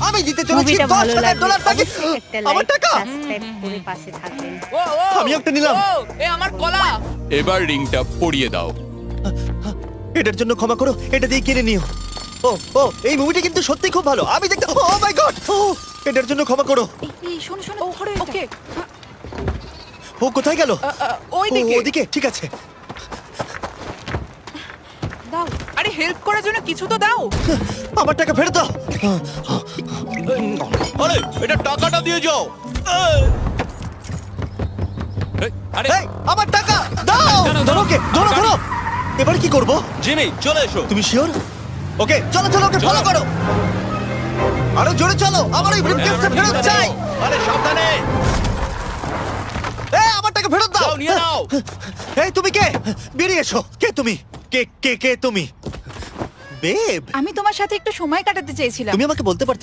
আমি দিতে চলেছি মুভিটা ভালো লাগলে $10,000 টাকা। অবশ্যই একটা আমার লাইক টাকা সাবস্ক্রাইব করে পাশে থাকবেন। ও ও আমি একটা নিলাম। ও, এ আমার কলা। এবার রিংটা পরিয়ে দাও। এটার জন্য ক্ষমা করো, এটা দিয়ে কিনে নিও। ও ও এই মুভিটা কিন্তু সত্যি খুব ভালো, আমি দেখতে ও মাই গড। এটার জন্য ক্ষমা করো। এই শোনো শোনো ও, ধরো এটা। ওকে ও কোথায় গেল? ওই ও, দিকে। ওদিকে, ঠিক আছে। দাও। আরে হেল্প করার জন্য কিছু তো দাও। আমার টাকা ফেরত দাও। আরে এটা টাকাটা দিয়ে যাও। আরে এই, আমার টাকা দাও। ধরো ওকে, ধরো ধরো। এবার কি করব? জিমি চলে এসো। তুমি শিওর? ওকে চলো চলো, ওকে ফলো করো। আরো জোরে চলো, আমার এই ব্রিফকেসটা ফেরত চাই। আরে সাবধানে। এই আমার টাকা ফেরত দাও। যাও নিয়ে নাও। এই তুমি কে? বেরিয়ে এসো। কে তুমি? কে কে কে তুমি? বেব, আমি তোমার সাথে একটু সময় কাটাতে চেয়েছিলাম। তুমি আমাকে বলতে পারতে